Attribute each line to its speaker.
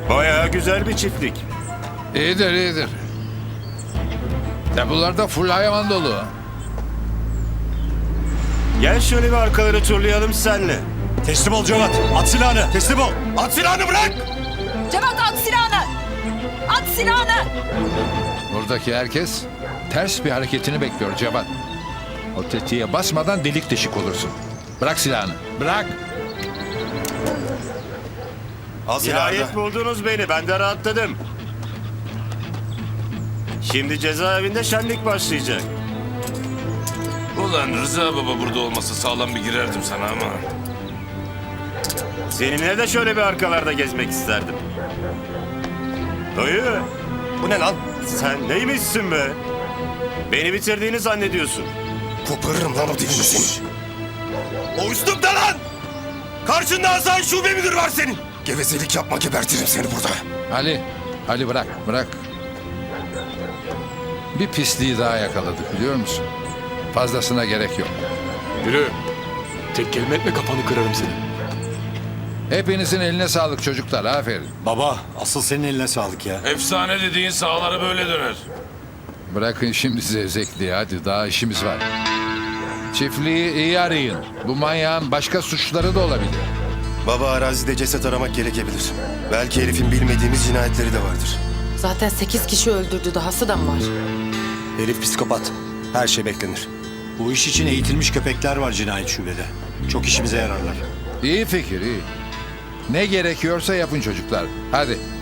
Speaker 1: Bayağı güzel bir çiftlik.
Speaker 2: İyidir iyidir. Depolar da full hayvan dolu.
Speaker 1: Gel şöyle bir arkaları turlayalım senle.
Speaker 3: Teslim ol Cevat. At silahını. Teslim ol.
Speaker 1: At silahını bırak!
Speaker 4: Cevat at silahını! At silahını!
Speaker 2: Buradaki herkes ters bir hareketini bekliyor Cevat. O tetiğe basmadan delik deşik olursun. Bırak silahını. Bırak.
Speaker 3: Al silahını.
Speaker 1: Nihayet buldunuz beni. Ben de rahatladım. Şimdi cezaevinde şenlik başlayacak.
Speaker 5: Ulan Rıza baba burada olmasa sağlam bir girerdim sana ama.
Speaker 1: Seninle de şöyle bir arkalarda gezmek isterdim. Dayı,
Speaker 3: Bu ne lan?
Speaker 1: sen neymişsin be? Beni bitirdiğini zannediyorsun.
Speaker 3: Koparırım lan o dilini senin. O üstümde lan! Karşında Hasan şube müdürü var senin. Gevezelik yapma, gebertirim seni burada.
Speaker 2: Ali bırak, bırak. Bir pisliği daha yakaladık biliyor musun? Fazlasına gerek yok.
Speaker 6: Yürü. Tek kelime etme kafanı kırarım seni.
Speaker 2: Hepinizin eline sağlık çocuklar, aferin.
Speaker 3: Baba, asıl senin eline sağlık ya.
Speaker 5: Efsane dediğin sahalara böyle döner.
Speaker 2: Bırakın şimdi zevzekliği, hadi daha işimiz var. Çiftliği iyi arayın. Bu manyağın başka suçları da olabilir.
Speaker 3: Baba, arazide ceset aramak gerekebilir. Belki Elif'in bilmediğimiz cinayetleri de vardır.
Speaker 7: Zaten 8 kişi öldürdü, dahası da mı var?
Speaker 8: Herif psikopat. Her şey beklenir. Bu iş için eğitilmiş köpekler var cinayet şubede. Çok işimize yararlar.
Speaker 2: İyi fikir, iyi. Ne gerekiyorsa yapın çocuklar. Hadi.